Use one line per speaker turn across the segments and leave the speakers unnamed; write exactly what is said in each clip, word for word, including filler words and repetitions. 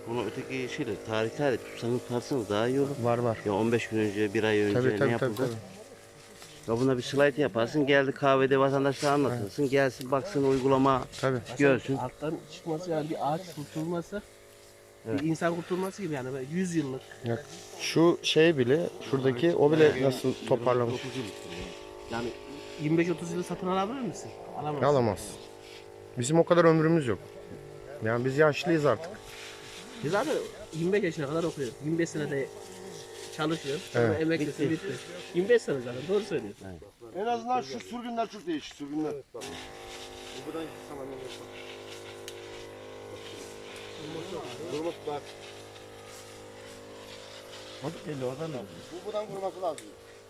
Bunu öteki şeyle tarih tarih tutsanız tutarsınız daha iyi olur.
Var var.
Ya on beş gün önce, bir ay önce
Tabii
ne
tabii
yapıldı?
tabii. tabii.
Ya buna bir slide yaparsın, geldi kahvede vatandaşlara anlatırsın, gelsin baksın uygulama
Tabii.
görsün.
Alttan çıkması yani bir ağaç kurtulması,
Evet.
bir insan kurtulması gibi yani böyle yüz yıllık.
Yok. Şu şey bile, şuradaki o bile nasıl toparlamış.
Yani yirmi beş otuz yılı satın alabilir misin? Alamazsın.
Alamaz. Bizim o kadar ömrümüz yok. Yani biz yaşlıyız artık.
Biz zaten yirmi beş yaşına kadar okuyoruz. yirmi beş senede çalışıyoruz. Sonra
Evet.
emeklisin bitti. yirmi beş sene zaten doğru söylüyorsun.
En azından şu sürgünler çok değişik sürgünler. Bu buradan tamam Durmuş bak.
Hadi gel oradan al.
Bu buradan vurması lazım.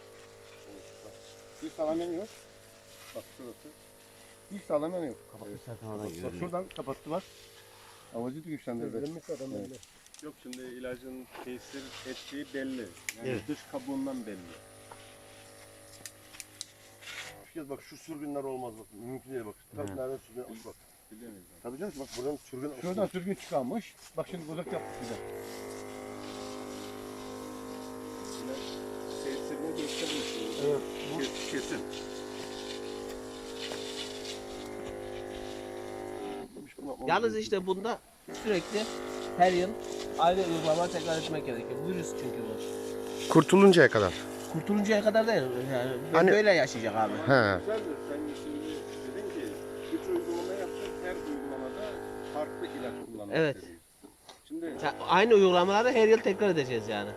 Bir sağlam yanıyor. Bak şurası. Bir sağlam yanıyor.
Evet.
Bak şuradan kapattılar. Havacı güçlendirdi. Evet.
Yok şimdi ilacın tesir ettiği belli. Yani
Evet.
dış kabuğundan belli.
Bir kez bak şu sürgünler olmaz bak. Mümkün değil bak. Tabii nereden sürgün almış bak.
Bilemeyiz.
Tabii canım bak buradan sürgün.
Şuradan sürgün çıkarmış. Bak şimdi uzak yaptık bize.
Tesirini göstermiş.
Evet.
Kes- Kesin.
Yalnız işte bunda sürekli her yıl aynı uygulama tekrar etmek gerekiyor. Virüs çünkü bu.
Kurtuluncaya kadar.
Kurtuluncaya kadar değil. Yani
Hani-
böyle yaşayacak abi.
He.
Güzeldir. Sen şimdi dedin ki üç uygulama yaptık. Her uygulamada farklı ilaç kullanmak
Evet.
dedin. Şimdi
Ya aynı uygulamaları her yıl tekrar edeceğiz yani.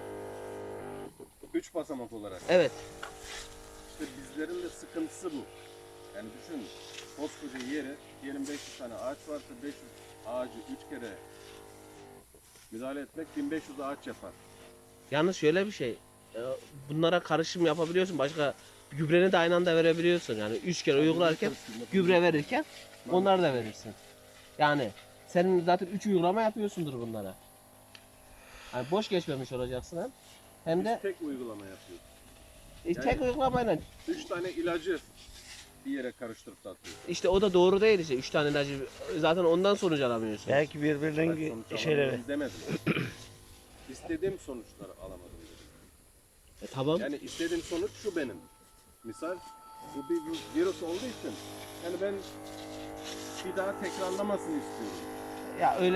üç basamak olarak.
Evet.
İşte bizlerin de sıkıntısı bu. Yani düşün, koskoca yeri, diyelim beş yüz tane ağaç varsa beş yüz ağacı üç kere müdahale etmek bin beş yüz ağaç yapar.
Yalnız şöyle bir şey. e, Bunlara karışım yapabiliyorsun. Başka gübreni de aynı anda verebiliyorsun. Yani üç kere uygularken gübre verirken onları da verirsin. Yani senin zaten üç uygulama yapıyorsundur bunlara. Yani boş geçmemiş olacaksın hem. Hem de
Tek uygulama yapıyoruz.
e, tek uygulamayla
Üç tane ilacı bir yere karıştırıp da atıyoruz.
işte o da doğru değil işte. Üç tane ilacı zaten ondan sonuç alamıyorsun.
Belki birbirinden
Sonuç
şeyleri.
alamadım demedim. İstediğim sonuçları alamadım dedim.
E, tamam.
Yani istediğim sonuç şu benim. Misal bu bir virüs olduğu için yani ben bir daha tekrarlamasını istiyorum.
Ya öyle